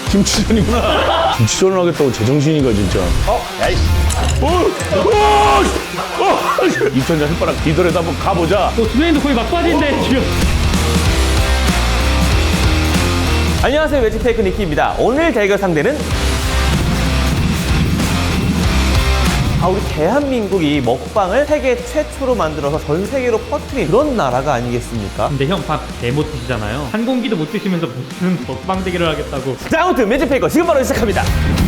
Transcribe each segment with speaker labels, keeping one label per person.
Speaker 1: 김치전이구나. 김치전을 하겠다고 제정신이가 진짜. 야이씨. 이천자 혓바닥 뒤돌아서 한번 가보자.
Speaker 2: 준현이도 거의 막바지인데 지금.
Speaker 3: 안녕하세요, 매직테이크 니키입니다. 오늘 대결 상대는 우리 대한민국이 먹방을 세계 최초로 만들어서 전 세계로 퍼뜨린 그런 나라가 아니겠습니까?
Speaker 2: 근데 형 밥 개 못 드시잖아요. 한 공기도 못 드시면서 무슨 먹방 대결을 하겠다고.
Speaker 3: 자, 아무튼 매직페이커 지금 바로 시작합니다.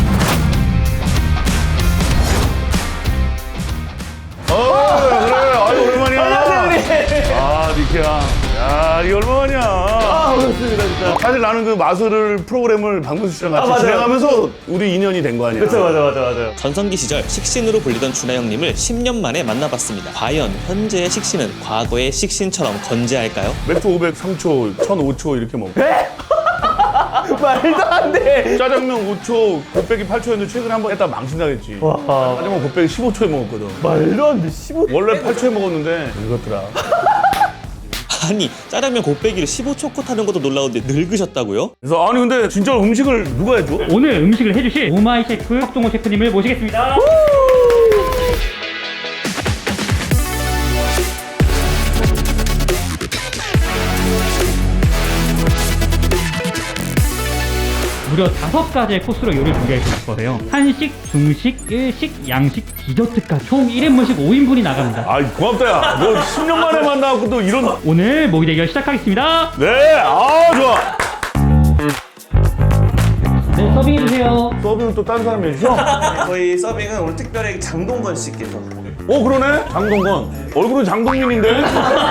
Speaker 1: 그래. 아유, 오랜만이야.
Speaker 3: 안녕하세요, 우리.
Speaker 1: 아, 니키야. 야, 이게 얼마만이야.
Speaker 3: 반갑습니다, 진짜.
Speaker 1: 사실 나는 그 마술을 프로그램을 박명수 씨랑 같이
Speaker 3: 맞아요.
Speaker 1: 진행하면서 우리 인연이 된 거 아니야.
Speaker 3: 그쵸, 맞아.
Speaker 4: 전성기 시절 식신으로 불리던 준하 형님을 10년 만에 만나봤습니다. 과연 현재의 식신은 과거의 식신처럼 건재할까요?
Speaker 1: 맥주 500 3초, 1005초 이렇게 먹고.
Speaker 3: 말도 안 돼.
Speaker 1: 짜장면 5초, 곱빼기 8초였는데 최근에 한번 했다 망신당했지. 짜장면 곱빼기 15초에 먹었거든.
Speaker 3: 말도 안 돼. 15.
Speaker 1: 원래 8초에 먹었는데 늙었더라.
Speaker 4: 아니 짜장면 곱빼기를 15초 컷 하는 것도 놀라운데 늙으셨다고요?
Speaker 1: 그래서 아니 근데 진짜 음식을 누가 해줘?
Speaker 2: 오늘 음식을 해주실 오마이 셰프 박종호 셰프님을 모시겠습니다. 무려 5가지의 코스로 요리를 준비할 수 있거든요. 한식, 중식, 일식, 양식, 디저트까지 총 1인분씩 5인분이 나갑니다.
Speaker 1: 아이 고맙다 야. 너 10년 만에 만나고 또 이런.
Speaker 2: 오늘 모기 대결 시작하겠습니다.
Speaker 1: 네, 아 좋아.
Speaker 2: 네, 서빙해주세요.
Speaker 1: 서빙은 또 다른 사람이 해주셔?
Speaker 3: 저희 서빙은 오늘 특별히 장동건 씨께서.
Speaker 1: 그러네. 장동건. 얼굴은 장동민인데.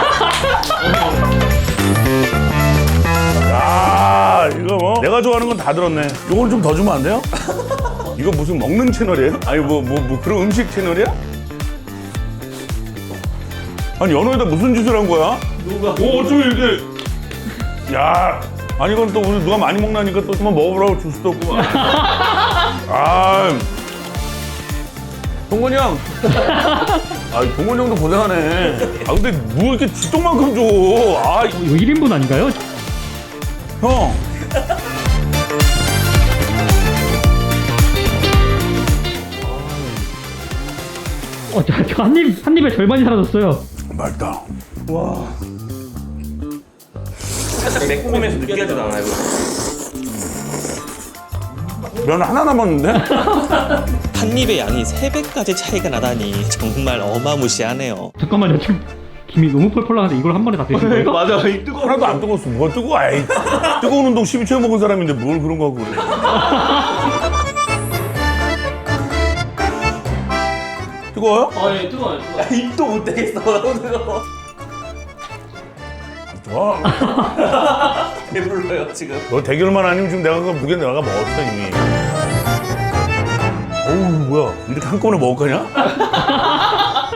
Speaker 1: 야, 이거 뭐 내가 좋아하는 건 다 들었네. 이걸 좀 더 주면 안 돼요? 이거 무슨 먹는 채널이에요? 아니 뭐 그런 음식 채널이야? 아니 연어에다 무슨 짓을 한 거야? 누가? 어쩜 이렇게? 야, 아니 이건 또 우리 누가 많이 먹나니까 또 한번 먹어보라고 줄 수도 없고. 아, 동건이 형. 아, 동건이 형도 고생하네. 아 근데 뭐 이렇게 주똥만큼 줘? 아,
Speaker 2: 이거 1인분 아닌가요?
Speaker 1: 형.
Speaker 2: 저 한 입에 절반이 사라졌어요.
Speaker 1: 맛있다.
Speaker 3: 살짝 매콤해서 느끼하지도 않아요.
Speaker 1: 면 하나 남았는데?
Speaker 4: 한 입의 양이 3배까지 차이가 나다니 정말 어마무시하네요.
Speaker 2: 잠깐만요, 지금 김이 너무 펄펄 나는데 이걸 한 번에 다 드신 거예요?
Speaker 3: 맞아, 이 뜨거워.
Speaker 1: 하나도 안 뜨거웠어. 뭐가 뜨거워? 에이, 뜨거운 운동 12초에 먹은 사람인데 뭘 그런 거 하고 그래. 뜨거워요?
Speaker 2: 예, 뜨거워요.
Speaker 3: 입도 못 대겠어. 너무 뜨거워.
Speaker 1: 좋아.
Speaker 3: 배불러요, 지금.
Speaker 1: 너 대결만 아니면 지금 내가 그 무게 내가 먹었어 이미. 어우 뭐야? 이렇게 한꺼번에 먹을 거냐?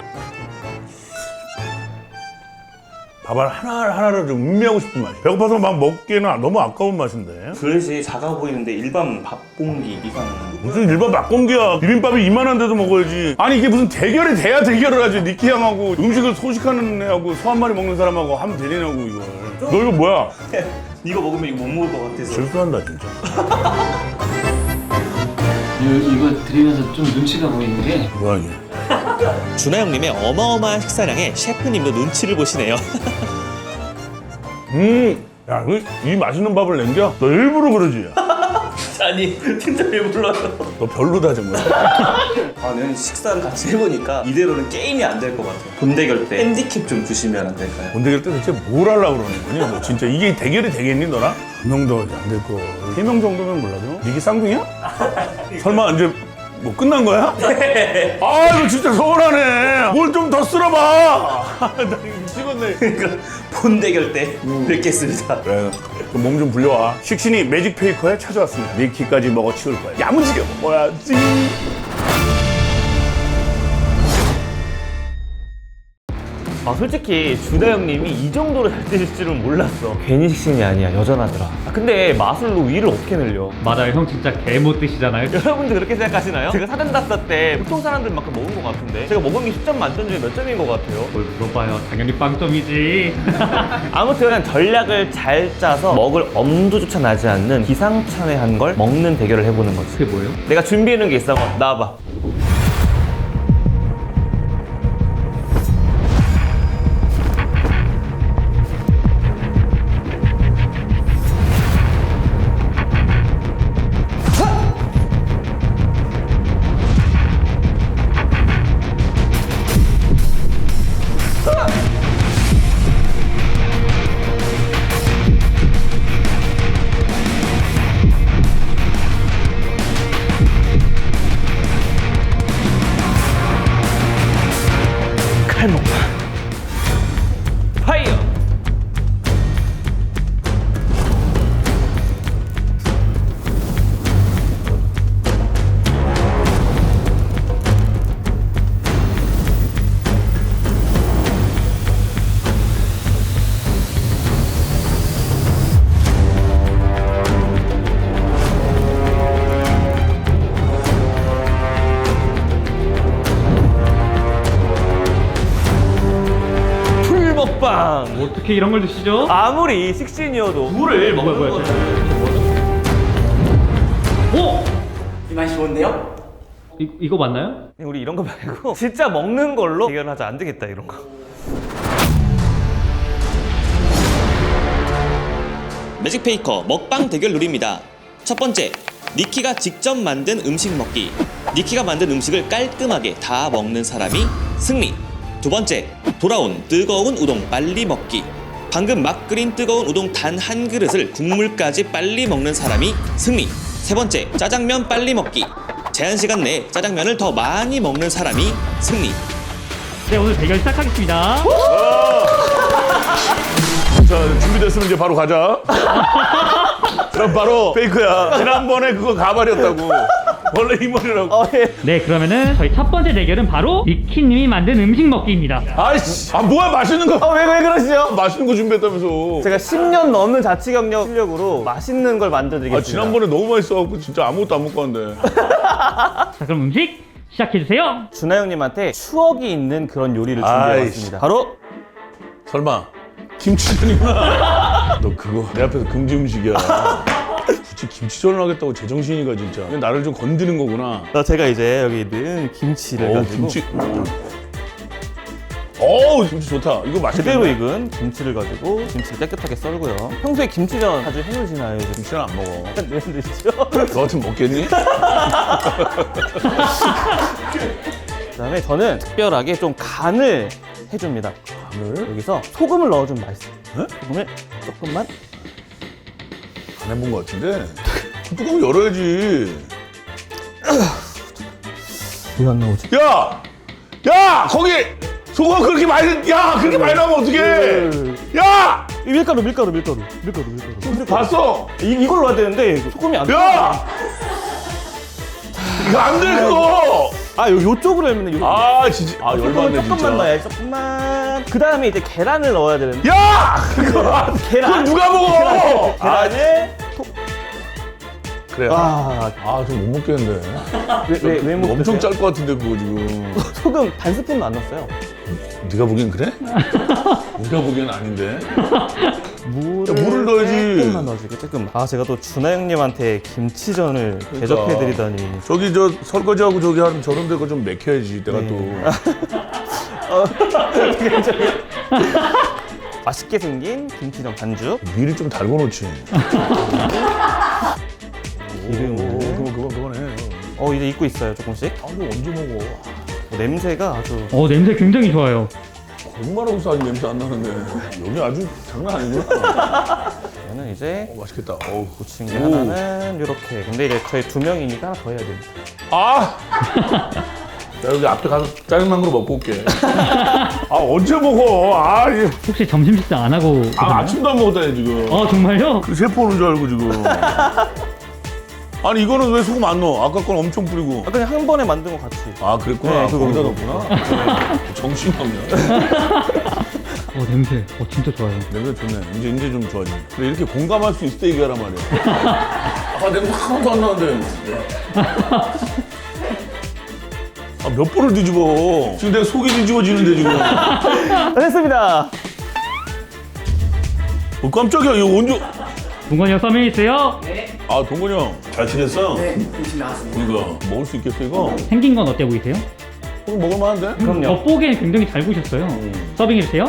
Speaker 1: 밥알 하나를 좀 음미하고 싶은 맛이야. 배고파서 막 먹기에는 너무 아까운 맛인데.
Speaker 3: 그릇이 작아 보이는데 일반 밥봉기 이상.
Speaker 1: 무슨 일반 막공기야. 비빔밥이 이만한데도 먹어야지. 아니 이게 무슨 대결이 돼야 대결을 하지. 니키 형하고 음식을 소식하는 애하고 소 한 마리 먹는 사람하고 하면 되냐고 이걸. 너 이거 뭐야?
Speaker 3: 이거 먹으면 이거 못 먹을 것 같아서.
Speaker 1: 실수한다 진짜.
Speaker 5: 이거 드리면서 좀 눈치가 보이는 게
Speaker 1: 뭐야 이게.
Speaker 4: 준하 형님의 어마어마한 식사량에 셰프님도 눈치를 보시네요.
Speaker 1: 야, 이 맛있는 밥을 남겨? 너 일부러 그러지?
Speaker 3: 아니, 진짜 배불러요.
Speaker 1: 너 별로다 정말.
Speaker 3: 저는 식사를 같이 해보니까 이대로는 게임이 안 될 것 같아요. 돈 대결 때 핸디캡 좀 주시면 안 될까요?
Speaker 1: 본대결 때 대체 뭘 하려고 그러는 거니? 너 진짜 이게 대결이 되겠니 너랑? 한 명도 안 될 거. 3명 정도면 몰라도? 이게 쌍둥이야? 설마 이제 뭐 끝난 거야? 아 이거 진짜 서운하네. 뭘 좀 더 쓸어봐. 나 이거 미치겠네.
Speaker 3: 그러니까 본 대결 때 뵙겠습니다.
Speaker 1: 그래, 몸 좀 불려와. 식신이 매직페이커에 찾아왔습니다. 니키까지 먹어 치울 거야. 야무지게 먹어야지.
Speaker 3: 아 솔직히 준하 형님이 이 정도로 잘 드실 줄은 몰랐어. 괜히 식신이 아니야. 여전하더라. 근데 마술로 위를 어떻게 늘려?
Speaker 2: 맞아요. 형 진짜 개 못 드시잖아요.
Speaker 3: 여러분들 그렇게 생각하시나요? 제가 사전 답사 때 보통 사람들만큼 먹은 것 같은데 제가 먹은 게 10점 만점 중에 몇 점인 것 같아요?
Speaker 2: 뭘 물어봐요. 당연히 빵점이지.
Speaker 3: 아무튼 전략을 잘 짜서 먹을 엄두조차 나지 않는 기상천외한 걸 먹는 대결을 해보는 거지.
Speaker 2: 그게 뭐예요?
Speaker 3: 내가 준비해놓은 게 있어. 나와봐. 칼먹방 파이어. 먹방.
Speaker 2: 어떻게 이런 걸 드시죠?
Speaker 3: 아무리 식신이어도 물을 먹는
Speaker 2: 뭐야,
Speaker 3: 거죠.
Speaker 2: 오!
Speaker 5: 이 맛이 좋은데요?
Speaker 2: 이거 맞나요?
Speaker 3: 우리 이런 거 말고 진짜 먹는 걸로 대결하자. 안 되겠다 이런 거.
Speaker 4: 매직페이커 먹방 대결 룰입니다. 첫 번째, 니키가 직접 만든 음식 먹기. 니키가 만든 음식을 깔끔하게 다 먹는 사람이 승리. 두 번째, 돌아온 뜨거운 우동 빨리 먹기. 방금 막 끓인 뜨거운 우동 단 한 그릇을 국물까지 빨리 먹는 사람이 승리. 세 번째, 짜장면 빨리 먹기. 제한 시간 내에 짜장면을 더 많이 먹는 사람이 승리.
Speaker 2: 네, 오늘 대결 시작하겠습니다.
Speaker 1: 자, 준비됐으면 이제 바로 가자. 그럼 바로 페이크야. 지난번에 그거 가발이었다고. 원래 이 머리라고.
Speaker 2: 네, 그러면은 저희 첫 번째 대결은 바로 니키님이 만든 음식 먹기입니다.
Speaker 1: 아이씨. 아, 뭐야, 맛있는 거.
Speaker 3: 왜 그러시죠?
Speaker 1: 맛있는 거 준비했다면서.
Speaker 3: 제가 10년 넘는 자치 경력 실력으로 맛있는 걸 만들어드리겠습니다.
Speaker 1: 아, 지난번에 너무 맛있어갖고 진짜 아무것도 안 먹고 왔는데.
Speaker 2: 자, 그럼 음식 시작해주세요.
Speaker 3: 준하 형님한테 추억이 있는 그런 요리를
Speaker 1: 아이씨.
Speaker 3: 준비해봤습니다. 바로
Speaker 1: 설마 김치전이구나. 너 그거 내 앞에서 금지 음식이야. 굳이 김치전을 하겠다고 제정신이가 진짜. 그냥 나를 좀 건드는 거구나.
Speaker 3: 제가 이제 여기 있는 김치를
Speaker 1: 어우,
Speaker 3: 가지고
Speaker 1: 김치. 어우, 김치 좋다. 이거 맛있겠네.
Speaker 3: 제대로 익은 김치를 가지고 김치를 깨끗하게 썰고요. 평소에 김치전 자주 해놓으시나요?
Speaker 1: 김치는 안 먹어.
Speaker 3: 네, 드시죠?
Speaker 1: 너 같으면 먹겠니?
Speaker 3: 그다음에 저는 특별하게 좀 간을 해줍니다.
Speaker 1: 간을?
Speaker 3: 여기서 소금을 넣어주면 맛있어요.
Speaker 1: 네?
Speaker 3: 소금을 조금만.
Speaker 1: 안 해본 것 같은데? 뚜껑 열어야지.
Speaker 3: 왜 안 나오지?
Speaker 1: 야! 야! 거기! 소금 그렇게 많이, 야! 그렇게 많이 나오면 어떡해! 야!
Speaker 3: 밀가루.
Speaker 1: 봤어!
Speaker 3: 이걸 넣어야 되는데 소금이 안
Speaker 1: 야! 이거 안 돼, 그거!
Speaker 3: 요쪽으로 하면 요.
Speaker 1: 아, 진짜. 아, 열받네,
Speaker 3: 조금만
Speaker 1: 진짜.
Speaker 3: 넣어야지. 조금만. 그 다음에 이제 계란을 넣어야 되는데.
Speaker 1: 야! 그거
Speaker 3: 계란.
Speaker 1: 누가 먹어!
Speaker 3: 계란을
Speaker 1: 그래. 아, 좀 못 먹겠는데.
Speaker 3: 왜 못?
Speaker 1: 엄청
Speaker 3: 드세요?
Speaker 1: 짤 것 같은데, 그거 지금.
Speaker 3: 소금 반 스푼도 안 넣었어요.
Speaker 1: 네가 보기엔 그래? 네가 보기엔 아닌데.
Speaker 3: 물을
Speaker 1: 넣어야지.
Speaker 3: 조금만 넣어줄게. 조금. 제가 또 준하 형님한테 김치전을
Speaker 1: 그러니까.
Speaker 3: 대접해드리다니.
Speaker 1: 저기 저 설거지하고 저기 하는 저런 데가 좀 맥혀야지. 내가
Speaker 3: 맛있게 생긴 김치전 반죽.
Speaker 1: 또 미리 좀 달궈 놓지.
Speaker 3: 기름을.
Speaker 1: 그거네.
Speaker 3: 이제 익고 있어요, 조금씩.
Speaker 1: 아, 이거 언제 먹어?
Speaker 3: 냄새가 아주.
Speaker 2: 냄새 굉장히 좋아요.
Speaker 1: 거짓말하고 싸니 냄새 안 나는데. 여기 아주 장난 아니구나.
Speaker 3: 저는 이제
Speaker 1: 맛있겠다. 어우.
Speaker 3: 고친 게 하나는 이렇게. 근데 이제 저희 2명이니까 하나 더 해야 됩니다.
Speaker 1: 아! 나 여기 앞에 가서 짜장면 으로 먹고 올게. 아, 언제 먹어?
Speaker 2: 혹시 점심 식사 안 하고 계셨나요?
Speaker 1: 아침도 안 먹었다니, 지금.
Speaker 2: 정말요?
Speaker 1: 세포 오는 줄 알고, 지금. 아니 이거는 왜 소금 안 넣어? 아까 건 엄청 뿌리고.
Speaker 3: 아, 그냥 한 번에 만든 거 같이.
Speaker 1: 아 그랬구나.
Speaker 3: 네, 그거
Speaker 1: 거기다
Speaker 3: 그거.
Speaker 1: 넣었구나. 정신이 없네.
Speaker 2: 냄새. 진짜 좋아요.
Speaker 1: 냄새 좋네. 이제 좀 좋아지네. 그래 이렇게 공감할 수 있을 때 얘기하란 말이야. 아 냄새 하나도 안 나는데. 아, 몇 번을 뒤집어. 지금 내가 속이 뒤집어지는데 지금.
Speaker 3: 됐습니다.
Speaker 1: 깜짝이야. 이거 언제?
Speaker 2: 동건이 형 서명이 있어요?
Speaker 1: 아 동건이 형 잘 지냈어? 네. 음식 나왔습니다. 이거 먹을 수 있겠어 이거?
Speaker 2: 생긴 건 어때 보이세요?
Speaker 1: 이거 먹을만한데?
Speaker 3: 그럼요.
Speaker 2: 겉보기엔 굉장히 잘 구우셨어요. 서빙해주세요.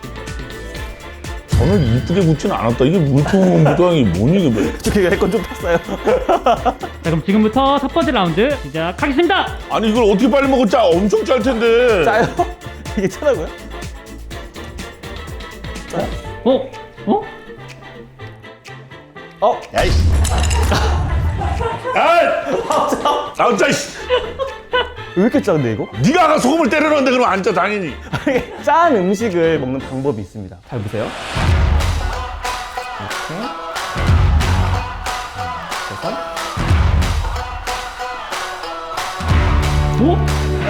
Speaker 1: 저는 이쁘게 굽지는 않았다. 이게 물통무당이 뭐니 이게 뭐.
Speaker 3: 저기 내 건 좀 탔어요.
Speaker 2: 자, 그럼 지금부터 첫 번째 라운드 시작하겠습니다.
Speaker 1: 아니 이걸 어떻게 빨리 먹어? 엄청 짤 텐데.
Speaker 3: 짜요? 이게 짜다고요?
Speaker 2: 어?
Speaker 1: 야이씨. 아, 짜 이씨.
Speaker 3: 왜 이렇게 짠데 이거?
Speaker 1: 네가 아까 소금을 때려 넣었는데 그럼 안 짜 당연히.
Speaker 3: 짠 음식을 먹는 방법이 있습니다. 잘 보세요. 이렇게.
Speaker 2: 어?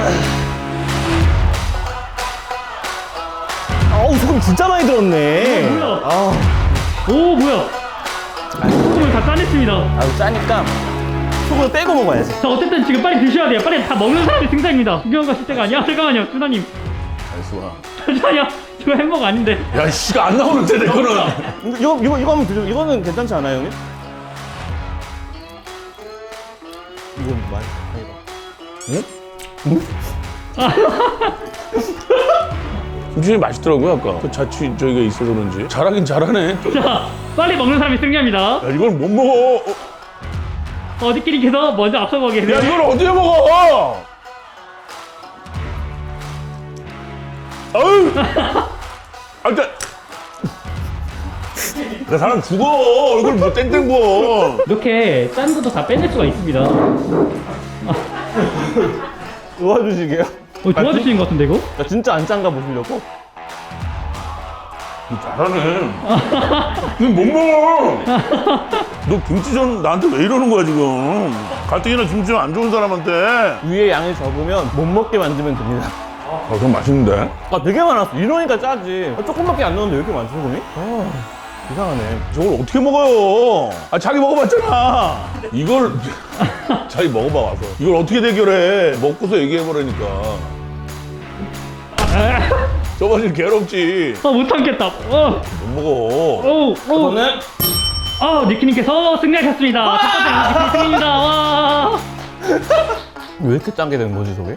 Speaker 3: 아우 소금 진짜 많이 들었네.
Speaker 2: 뭐야?
Speaker 3: 아,
Speaker 2: 오, 뭐야? 소금을 다 짜냈습니다.
Speaker 3: 아우 짜니까 소금을 빼고 먹어야지.
Speaker 2: 자, 어쨌든 지금 빨리 드셔야 돼요. 빨리 다 먹는 사람이 승자입니다. 구경 가실 때가 아니야. 잠깐만요, 수나님.
Speaker 1: 알수 봐.
Speaker 2: 잠시만요. 저 햄버거 아닌데.
Speaker 1: 야 씨가 안 나오는데 내 거는.
Speaker 3: 이거 한번 드셔. 이거는 괜찮지 않아요, 형님? 이건 많이
Speaker 1: 김치전이 맛있더라고요 아까. 그 자취 저기가 있어서 그런지 잘하긴 잘하네.
Speaker 2: 자, 빨리 먹는 사람이 승자입니다.
Speaker 1: 야 이걸 못 먹어.
Speaker 2: 어디끼리께서 먼저 앞서고 계세요.
Speaker 1: 야 이걸 어떻게 먹어? 아유. 아 일단. 그 사람 죽어. 얼굴 뭐 땡땡 부어.
Speaker 2: 이렇게 짠 것도 다 빼낼 수가 있습니다.
Speaker 3: 도와주시게요.
Speaker 2: 도와주시는 것 같은데, 이거?
Speaker 3: 나 진짜 안 짠가 보시려고.
Speaker 1: 잘하네. 너 못 먹어. 너 김치전 나한테 왜 이러는 거야 지금? 가뜩이나 김치전 안 좋은 사람한테.
Speaker 3: 위에 양이 적으면 못 먹게 만들면 됩니다.
Speaker 1: 아 그럼 맛있는데?
Speaker 3: 아 되게 많았어. 이러니까 짜지. 조금밖에 안 넣었는데 왜 이렇게 많지, 소금이? 아 이상하네.
Speaker 1: 저걸 어떻게 먹어요? 아 자기 먹어봤잖아. 이걸 자기 먹어봐 와서. 이걸 어떻게 대결해? 먹고서 얘기해보라니까. 저번에 괴롭지.
Speaker 2: 못 참겠다.
Speaker 1: 못 먹어.
Speaker 3: 저는
Speaker 2: 니키님께서 승리하셨습니다. 첫 번째 니키 승리입니다. 와.
Speaker 3: 왜 이렇게 짠게 되는 거지, 저게?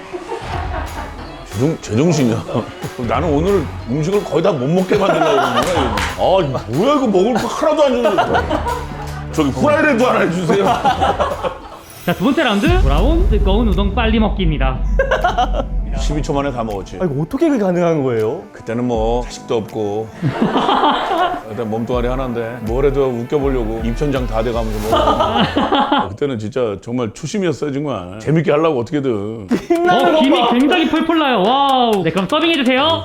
Speaker 1: 제정신이야. 나는 오늘 음식을 거의 다 못 먹게 만들려고 그러는 거야. 아 뭐야 이거 먹을 거 하나도 안 주는데. 저기 후라이드도 하나 해주세요.
Speaker 2: 자, 두 번째 라운드 돌아온 뜨거운 우동 빨리 먹기입니다.
Speaker 1: 12초 만에 다 먹었지.
Speaker 3: 아 이거 어떻게 그게 가능한 거예요?
Speaker 1: 그때는 뭐 자식도 없고 일단 몸뚱아리 하나인데 뭘 해도 웃겨보려고 입천장 다 돼가면서 먹어. 그때는 진짜 정말 초심이었어요 정말. 재밌게 하려고 어떻게든.
Speaker 2: 김이 굉장히 펄펄 나요. 와우. 네, 그럼 서빙해주세요.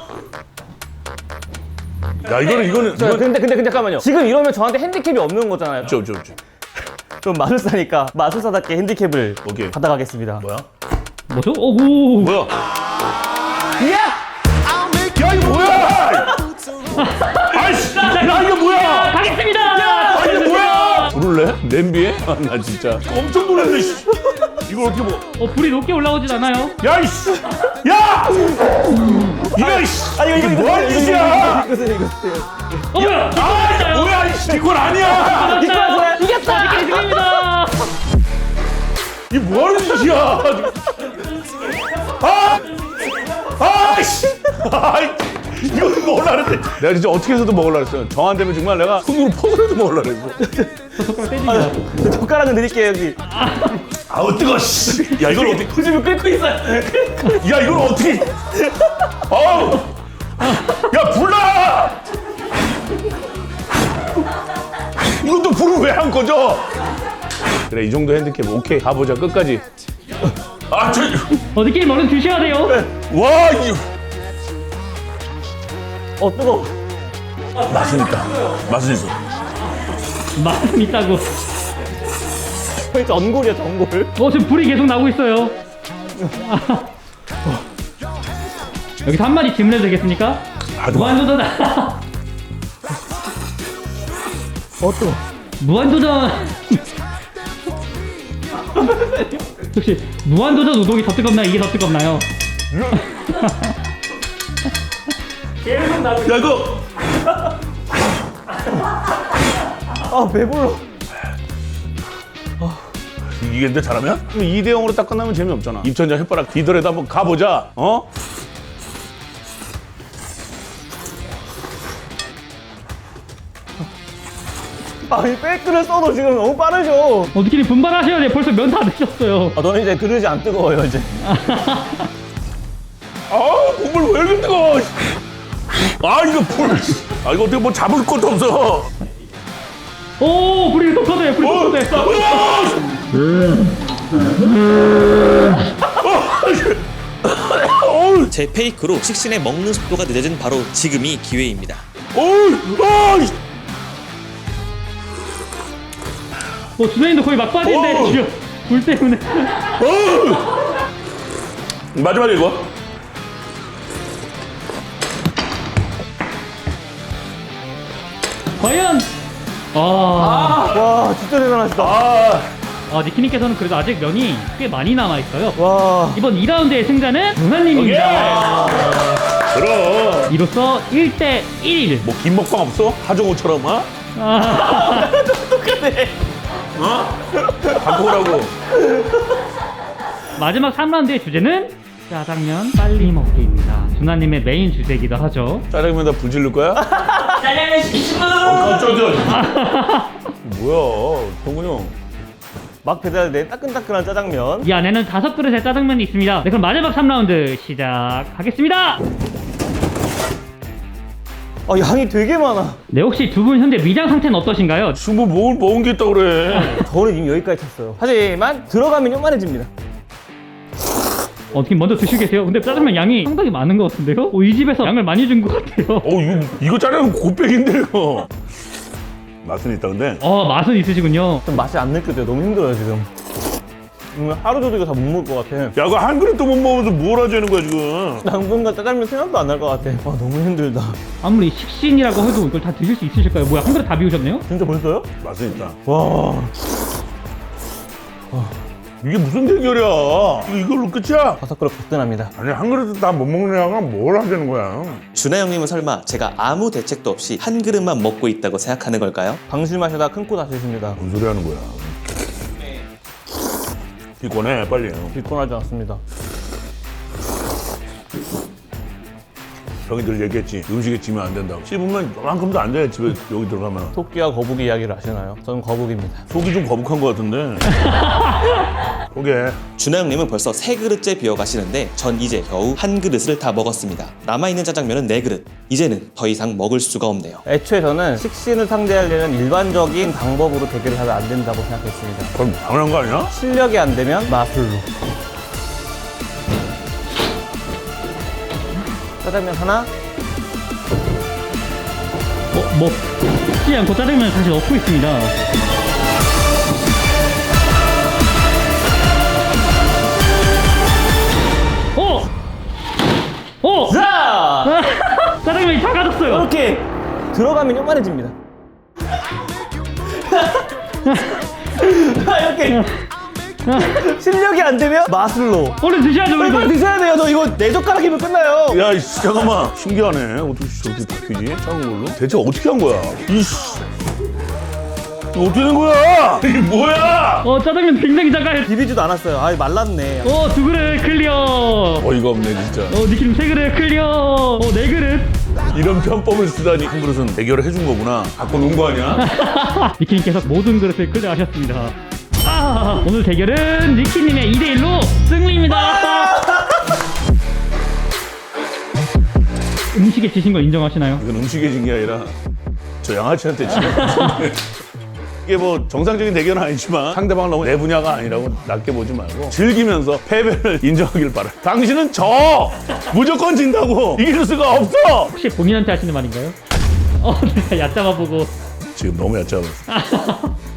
Speaker 1: 야 이거는
Speaker 3: 근데 잠깐만요. 지금 이러면 저한테 핸디캡이 없는 거잖아요.
Speaker 1: 없죠.
Speaker 3: 그럼 마술사니까 마술사답게 핸디캡을
Speaker 1: 오케이.
Speaker 3: 받아가겠습니다.
Speaker 1: 뭐야?
Speaker 2: 뭐죠? 오.
Speaker 1: 뭐야? 야 이거 뭐야? 아이씨! 야 이거 뭐야?
Speaker 2: 가겠습니다.
Speaker 1: 아 이거 뭐야? 부를래? 냄비에? 아, 나 진짜 엄청 놀랐네. 씨. 이걸 어떻게 먹어?
Speaker 2: 불이 높게 올라오진 않아요.
Speaker 1: 야 이씨! 야! 이거 이씨! 이게 뭐하는 짓이야?
Speaker 3: 이거
Speaker 2: 뭐야?
Speaker 1: 아 뭐야 이씨! 이건 아니야!
Speaker 2: 이겼다. 니키님 승리입니다.
Speaker 1: 이게 뭐하는 짓이야? 아이씨! 이거 먹으려고 했는데 내가 진짜 어떻게 해서도 먹으려고 했어요. 정 안 되면 정말 내가 손으로 퍼서라도 먹으려고 했어.
Speaker 3: 젓가락은 드릴게요, 여기.
Speaker 1: 아우 뜨거 씨. 야 이걸 어떻게
Speaker 3: 지금 끓고 있어요.
Speaker 1: 야 이걸 어떻게 아우 야 불나 이것도 불을 왜 안 꺼져. 그래 이 정도 핸디캡 오케이 가보자 끝까지.
Speaker 2: 니키님 얼른 드셔야 돼요.
Speaker 1: 와 이거
Speaker 3: 뜨거워.
Speaker 1: 맛은 있다. 맛은 있어.
Speaker 2: 맛은 있다고.
Speaker 3: 거의 전골이야, 전골.
Speaker 2: 지금 불이 계속 나오고 있어요. 여기서 한마디 질문해도 되겠습니까?
Speaker 1: 하지 마.
Speaker 2: 무한도전.
Speaker 3: 또.
Speaker 2: 무한도전. 혹시 무한도전 우동이 더 뜨겁나요? 이게 더 뜨겁나요? 계속 나오고 있어요.
Speaker 1: 야 이거
Speaker 3: 아, 배불러.
Speaker 1: 이게 근데 잘하면 2대 0으로 딱 끝나면 재미없잖아. 입천장 혓바닥 뒤더라도 한번 가보자. 어?
Speaker 3: 이 백글을 써도 지금 너무 빠르죠.
Speaker 2: 어떻게 분발하셔야 돼요. 벌써 면 다 드셨어요.
Speaker 3: 너는 이제 그릇이 안 뜨거워요, 이제.
Speaker 1: 국물 왜 이렇게 뜨거워? 이거 불. 이거 어떻게 뭐 잡을 것도 없어.
Speaker 2: 오, 불이 더 커져요. 불이 더 커져요.
Speaker 4: 제 페이크로 식신의 먹는 속도가 늦어진 바로 지금이 기회입니다.
Speaker 2: 주사님도 거의 막바지인데 지금 불 때문에.
Speaker 1: 마지막에 이거.
Speaker 2: 과연.
Speaker 3: 와, 진짜 대단하시다.
Speaker 2: 니키님께서는 그래도 아직 면이 꽤 많이 남아있어요.
Speaker 3: 와.
Speaker 2: 이번 2라운드의 승자는 누나님입니다.
Speaker 1: 그럼.
Speaker 2: 이로써 1대 1.
Speaker 1: 뭐 긴 먹방 없어? 하정우처럼
Speaker 3: 똑같네.
Speaker 1: 갖고 오라고.
Speaker 2: 마지막 3라운드의 주제는 짜장면 빨리 먹기입니다. 누나님의 메인 주제이기도 하죠.
Speaker 1: 짜장면에다 불 지를 거야?
Speaker 5: 짜장면 시키시면
Speaker 1: 깜짝이야. 뭐야, 성훈이 형.
Speaker 3: 막 배달된 따끈따끈한 짜장면.
Speaker 2: 이 안에는 5그릇의 짜장면이 있습니다. 네, 그럼 마지막 3라운드 시작하겠습니다.
Speaker 3: 양이 되게 많아.
Speaker 2: 네, 혹시 두 분 현재 위장 상태는 어떠신가요?
Speaker 1: 지금 뭐 먹은 게 있다고 그래.
Speaker 3: 저는 이미 여기까지 찼어요. 하지만 들어가면 요만해집니다.
Speaker 2: 어떻게 먼저 드시고 계세요? 근데 짜장면 양이 상당히 많은 것 같은데요? 이 집에서 양을 많이 준 것 같아요.
Speaker 1: 이거 짜장면 곱빼기인데 이거. 맛은 있다 근데.
Speaker 2: 맛은 있으시군요.
Speaker 3: 좀 맛이 안 느껴져요. 너무 힘들어요, 지금. 하루 종일 이거 다 못 먹을 것 같아.
Speaker 1: 야, 그거 한 그릇도 못 먹으면서 뭘 하자는 거야 지금.
Speaker 3: 당분간 짜장면 생각도 안 날 것 같아. 너무 힘들다.
Speaker 2: 아무리 식신이라고 해도 이걸 다 드실 수 있으실까요? 뭐야, 한 그릇 다 비우셨네요?
Speaker 3: 진짜 벌써요?
Speaker 1: 맛은 있다.
Speaker 3: 와.
Speaker 1: 이게 무슨 대결이야? 이걸로 끝이야?
Speaker 3: 5그릇 거뜬합니다.
Speaker 1: 아니 한 그릇도 다 못 먹는 양은 뭘 하자는 거야?
Speaker 4: 준하 형님은 설마 제가 아무 대책도 없이 한 그릇만 먹고 있다고 생각하는 걸까요?
Speaker 3: 방심하시다 큰 코 다치십니다.
Speaker 1: 뭔 소리 하는 거야? 비꼬네 빨리.
Speaker 3: 비kon하지 않습니다.
Speaker 1: 형이들 얘기했지. 음식에 지면 안 된다고. 씹으면 요만큼도 안 돼. 집에 여기 들어가면.
Speaker 3: 토끼와 거북이 이야기를 아시나요? 저는 거북입니다.
Speaker 1: 속이 좀 거북한 것 같은데. 포기해.
Speaker 4: 준하 형님은 벌써 3그릇째 비워가시는데 전 이제 겨우 한 그릇을 다 먹었습니다. 남아있는 짜장면은 4그릇. 이제는 더 이상 먹을 수가 없네요.
Speaker 3: 애초에 저는 식신을 상대하려는 일반적인 방법으로 대결을 하면 안 된다고 생각했습니다.
Speaker 1: 그럼 당연한 거 아니야?
Speaker 3: 실력이 안 되면 마술로. 짜장면 하나.
Speaker 2: 먹지 않고 짜장면을 다시 넣고 있습니다.
Speaker 3: 자!
Speaker 2: 짜장면이 작아졌어요.
Speaker 3: 이렇게 들어가면 요만해집니다. 이렇게 실력이 안 되면 마술로.
Speaker 2: 얼른 드셔야죠,
Speaker 3: 빨리
Speaker 2: 우리도.
Speaker 3: 드셔야 돼요. 너 이거 4젓가락이면 끝나요.
Speaker 1: 야, 이씨, 잠깐만. 신기하네. 어떻게 저렇게 바뀌지? 작은 걸로? 대체 어떻게 한 거야? 이씨. 이거 어떻게 된 거야? 이게 뭐야?
Speaker 2: 짜장면 굉장히 작아요.
Speaker 3: 비비지도 않았어요. 말랐네.
Speaker 2: 2그릇 클리어.
Speaker 1: 어이가 없네, 진짜.
Speaker 2: 니키님 3그릇 클리어. 4그릇.
Speaker 1: 이런 편법을 쓰다니. 한 그릇은 대결을 해준 거구나. 갖고 논 거 아니야?
Speaker 2: 니키님께서 모든 그릇을 클리어하셨습니다. 오늘 대결은 니키님의 2대1로 승리입니다. 음식에 지신 걸 인정하시나요?
Speaker 1: 이건 음식에 진 게 아니라 저 양아치한테 진 거야. 이게 뭐 정상적인 대결은 아니지만 상대방을 너무 내 분야가 아니라고 낮게 보지 말고 즐기면서 패배를 인정하길 바라. 당신은 져! 무조건 진다고! 이길 수가 없어!
Speaker 2: 혹시 본인한테 하시는 말인가요? 내가 얕잡아 보고.
Speaker 1: 지금 너무 얕잡았어.